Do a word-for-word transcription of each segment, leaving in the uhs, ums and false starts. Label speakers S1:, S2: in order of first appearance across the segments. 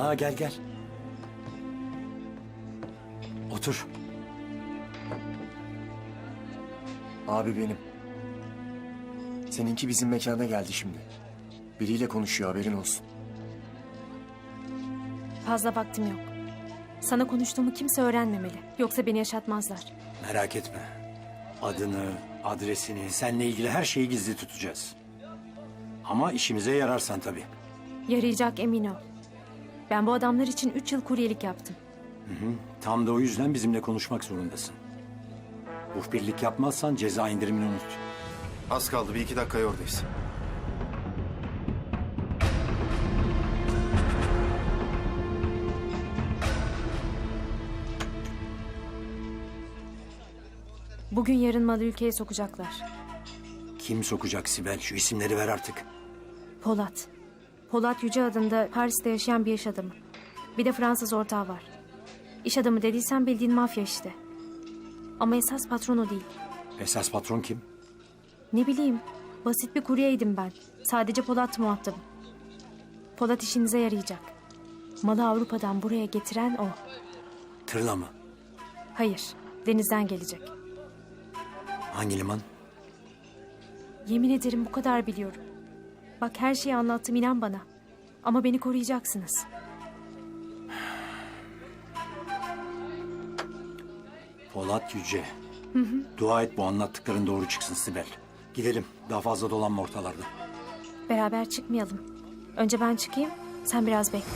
S1: Ha gel gel. Otur. Abi benim. Seninki bizim mekana geldi şimdi. Biriyle konuşuyor, haberin olsun.
S2: Fazla vaktim yok. Sana konuştuğumu kimse öğrenmemeli. Yoksa beni yaşatmazlar.
S3: Merak etme. Adını, adresini, seninle ilgili her şeyi gizli tutacağız. Ama işimize yararsan tabii.
S2: Yarayacak, emin ol. Ben bu adamlar için üç yıl kuryelik yaptım.
S3: Tam da o yüzden bizimle konuşmak zorundasın. Muhbirlik yapmazsan ceza indirimini unut.
S4: Az kaldı, bir iki dakikaya oradayız.
S2: Bugün yarın malı ülkeye sokacaklar.
S3: Kim sokacak Sibel? Şu isimleri ver artık.
S2: Polat. Polat Yüce adında Paris'te yaşayan bir iş adamı. Bir de Fransız ortağı var. İş adamı dediysen bildiğin mafya işte. Ama esas patron o değil.
S3: Esas patron kim?
S2: Ne bileyim, basit bir kuryeydim ben. Sadece Polat muhatabım. Polat işinize yarayacak. Malı Avrupa'dan buraya getiren o.
S3: Tırla mı?
S2: Hayır, denizden gelecek.
S3: Hangi liman?
S2: Yemin ederim bu kadar biliyorum. Bak her şeyi anlattım, inan bana. Ama beni koruyacaksınız.
S3: Polat Yüce. Hı hı. Dua et bu anlattıkların doğru çıksın Sibel. Gidelim. Daha fazla dolanma ortalarda.
S2: Beraber çıkmayalım. Önce ben çıkayım, sen biraz bekle.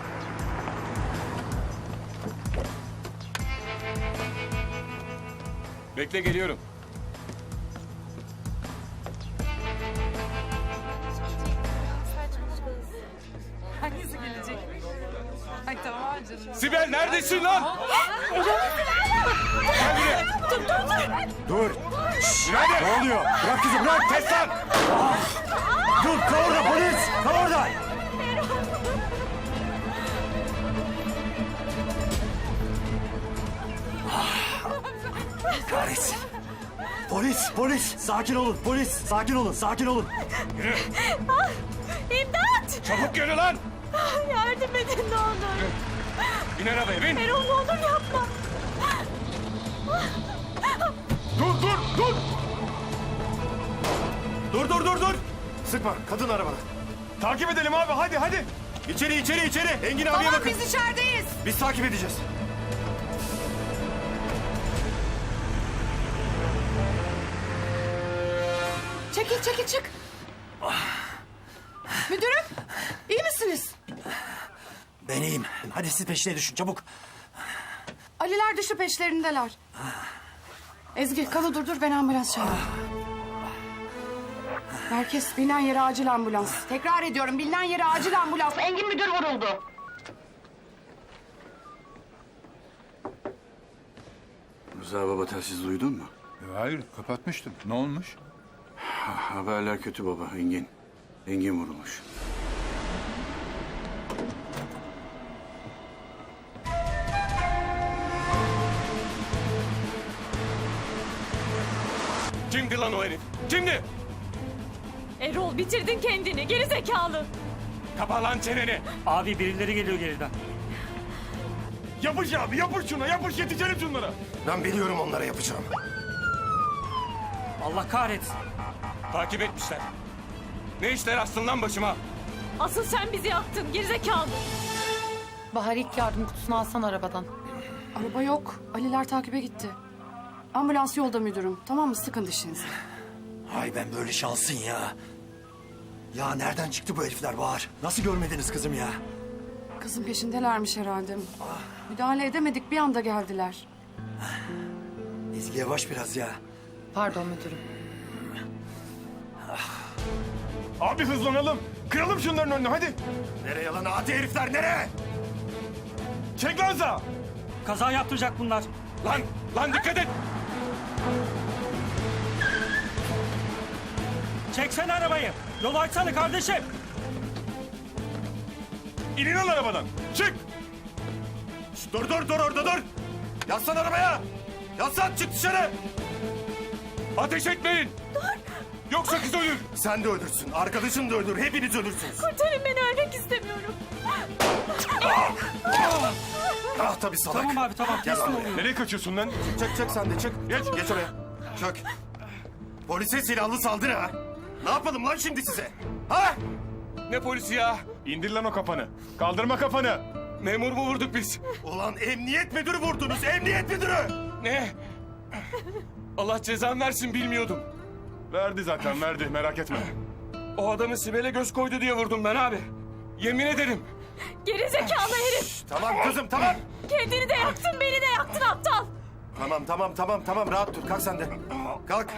S5: Bekle, geliyorum.
S6: Hangisi gelecek? Ay tamam canım.
S5: Sibel neredesin lan? Gel buraya.
S3: Dur.
S5: Nerede?
S3: Ne oluyor? Bırak kızı bırak.
S5: Kes lan.
S3: Dur kal orada polis. Kal orada.
S1: Kahretsin. Polis, polis. Sakin olun, polis. Sakin olun, sakin olun.
S2: İmdat!
S5: Çabuk yürü lan.
S2: Yardım edin ne olur.
S5: Bin arabaya bin.
S2: Erol ne olur yapma.
S5: Dur dur dur.
S4: Dur, dur, dur, dur! Sıkma, kadın arabada.
S5: Takip edelim abi, hadi hadi.
S4: İçeri, içeri, içeri! Engin abiye
S6: Tamam
S4: bakın.
S6: biz içerideyiz.
S4: Biz takip edeceğiz.
S6: Çekil çekil çık. Müdürüm iyi misiniz?
S3: Ben iyiyim. Hadi siz peşine düşün çabuk.
S6: Aliler düştü peşlerindeler. Ezgi kanı durdur ben ambulans çağırayım. Herkes bilinen yere acil ambulans. Tekrar ediyorum bilinen yere acil ambulans. Engin müdür vuruldu.
S4: Rıza baba telsiz duydun mu?
S5: Hayır, kapatmıştım. Ne olmuş?
S4: Ha, haberler kötü baba, Engin. Engin vurulmuş.
S5: Kimdi lan o herif? Kimdi?
S2: Erol bitirdin kendini, geri zekalı.
S5: Kapa lan çeneni.
S7: Abi birileri geliyor geriden.
S5: Yapış abi, yapış şuna, yapış yetişelim şunlara.
S4: Ben biliyorum onlara yapacağım.
S7: Allah kahretsin.
S5: Takip etmişler. Ne işler astın lan başıma?
S2: Asıl sen bizi yaktın, geri zekalı.
S8: Bahar ilk yardım kutusunu alsan arabadan.
S6: Araba yok. Aliler takibe gitti. Ambulans yolda müdürüm. Tamam mı? Sıkın dişinizi.
S3: Ay ben böyle şansın ya. Ya nereden çıktı bu herifler Bahar? Nasıl görmediniz kızım ya?
S6: Kızın peşindelermiş herhalde. Müdahale edemedik bir anda geldiler.
S3: Ezgi yavaş biraz ya.
S8: Pardon müdürüm.
S5: Abi hızlanalım. Kıralım şunların önünü hadi.
S4: Nereye lan adi herifler, nereye?
S5: Çek lan sağa.
S7: Kaza yaptıracak bunlar.
S5: Lan, lan dikkat et.
S7: Çeksene arabayı. Yol açsana kardeşim.
S5: İnin lan arabadan. Çık.
S4: Şş, dur, dur, dur orada dur! Yaslan arabaya! Yaslan, çık dışarı!
S5: Ateş etmeyin. Dur. Yoksa kız ölür.
S4: Sen de öldürsün, arkadaşın da öldür, hepiniz ölürsünüz.
S2: Kurtarın beni, ölmek istemiyorum.
S4: Ah tabii salak.
S7: Tamam abi tamam teslim oluyorum.
S5: Nereye kaçıyorsun lan?
S4: Çık çık sen de çık. Geç geç oraya. Çık. Polise silahlı saldırı ha. Ne yapalım lan şimdi size? Ha?
S5: Ne polisi ya? İndir lan o kafanı. Kaldırma kafanı.
S4: Memur mu vurduk biz? Ulan emniyet müdürü vurdunuz, emniyet müdürü!
S5: Ne? Allah cezanı versin bilmiyordum. Verdi zaten verdi merak etme. O adamı Sibel'e göz koydu diye vurdum ben abi. Yemin ederim.
S2: Gerizekalı herif!
S4: Tamam kızım tamam.
S2: Kendini de yaktın, beni de yaktın aptal!
S4: Tamam tamam tamam tamam rahat dur kalk sen de. Kalk.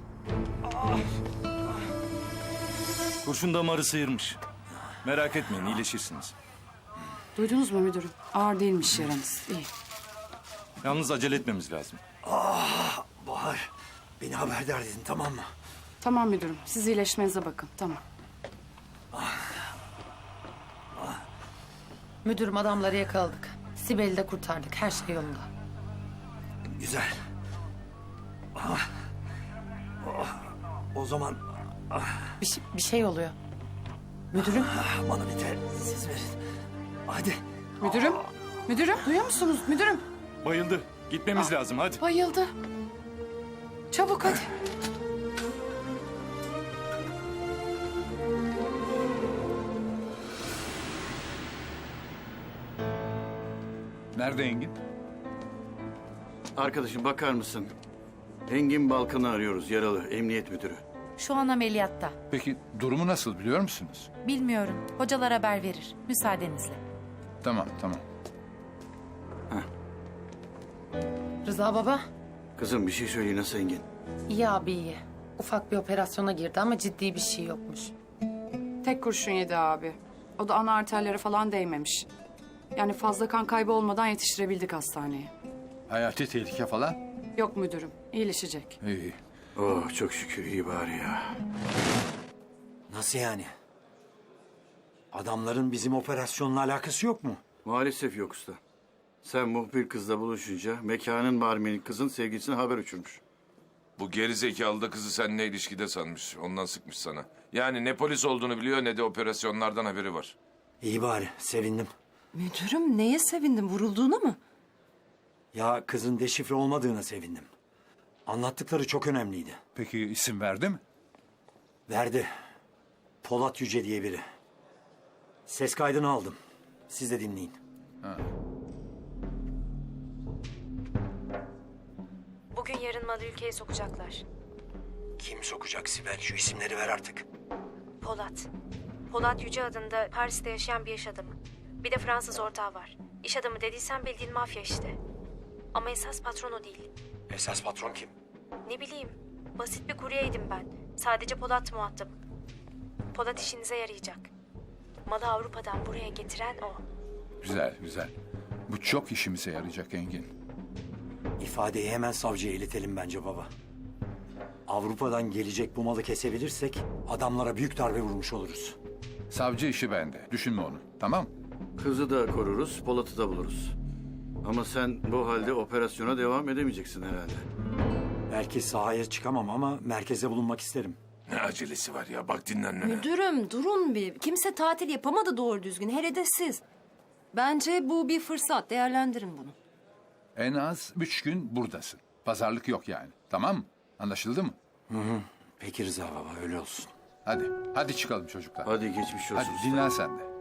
S1: Kurşun damarı sıyırmış. Merak etmeyin iyileşirsiniz.
S6: Duydunuz mu müdürüm? Ağır değilmiş yaranız. İyi.
S1: Yalnız acele etmemiz lazım.
S3: Bahar, beni haberdar edin tamam mı?
S6: Tamam müdürüm. Siz iyileşmenize bakın. Tamam.
S8: Müdürüm adamları yakaladık. Sibel'i de kurtardık. Her şey yolunda.
S3: Güzel. Ah. Ah. O zaman
S8: Bir, şey- bir şey oluyor. Müdürüm.
S3: ah, bana bir tel siz verin. Hadi.
S6: Müdürüm. Müdürüm. Duyuyor musunuz? Müdürüm.
S1: Bayıldı. Gitmemiz lazım hadi.
S6: Bayıldı. Çabuk hadi.
S9: Nerede Engin?
S10: Arkadaşım bakar mısın? Engin Balkan'ı arıyoruz, yaralı, emniyet müdürü.
S11: Şu an ameliyatta.
S9: Peki durumu nasıl biliyor musunuz?
S11: Bilmiyorum. Hocalar haber verir. Müsaadenizle.
S9: Tamam tamam.
S8: Rıza baba.
S10: Kızım bir şey söyle, nasıl Engin?
S8: İyi abi iyi. Ufak bir operasyona girdi ama ciddi bir şey yokmuş.
S6: Tek kurşun yedi abi. O da ana arterlere falan değmemiş. Yani fazla kan kaybı olmadan yetiştirebildik hastaneye.
S9: Hayati tehlike falan?
S6: Yok müdürüm. İyileşecek.
S9: İyi.
S10: Oh çok şükür iyi bari ya.
S3: Nasıl yani? Adamların bizim operasyonla alakası yok mu?
S10: Maalesef yok usta. Sen muhbir kızla buluşunca mekanın barmeni kızın sevgilisine haber uçurmuş.
S4: Bu gerizekalı da kızı seninle ilişkide sanmış. Ondan sıkmış sana. Yani ne polis olduğunu biliyor ne de operasyonlardan haberi var.
S3: İyi bari, sevindim.
S11: Müdürüm neye sevindin? Vurulduğuna mı?
S3: Ya kızın deşifre olmadığına sevindim. Anlattıkları çok önemliydi.
S9: Peki isim verdi mi?
S3: Verdi. Polat Yüce diye biri. Ses kaydını aldım. Siz de dinleyin.
S2: Bugün yarın malı ülkeye sokacaklar.
S3: Kim sokacak Sibel? Şu isimleri ver artık.
S2: Polat. Polat Yüce adında Paris'te yaşayan bir iş adamı. Bir de Fransız ortağı var. İş adamı dediysen bildiğin mafya işte. Ama esas patron o değil.
S3: Esas patron kim?
S2: Ne bileyim, basit bir kuryeydim ben. Sadece Polat muhatap. Polat işinize yarayacak. Malı Avrupa'dan buraya getiren o.
S9: Güzel güzel. Bu çok işimize yarayacak Engin.
S3: İfadeyi hemen savcıya iletelim bence baba. Avrupa'dan gelecek bu malı kesebilirsek adamlara büyük darbe vurmuş oluruz.
S9: Savcı işi bende. Düşünme onu. Tamam?
S10: Kızı da koruruz, Polat'ı da buluruz. Ama sen bu halde operasyona devam edemeyeceksin herhalde.
S3: Belki sahaya çıkamam ama merkeze bulunmak isterim.
S4: Ne acelesi var ya bak dinlenmene.
S11: Müdürüm durun bir. Kimse tatil yapamadı doğru düzgün. Hele de siz. Bence bu bir fırsat. Değerlendirin bunu.
S9: En az üç gün buradasın. Pazarlık yok yani. Tamam mı? Anlaşıldı mı?
S3: Peki Rıza baba öyle olsun.
S9: Hadi. Hadi çıkalım çocuklar.
S10: Hadi geçmiş olsun.
S9: Hadi dinlen sen de.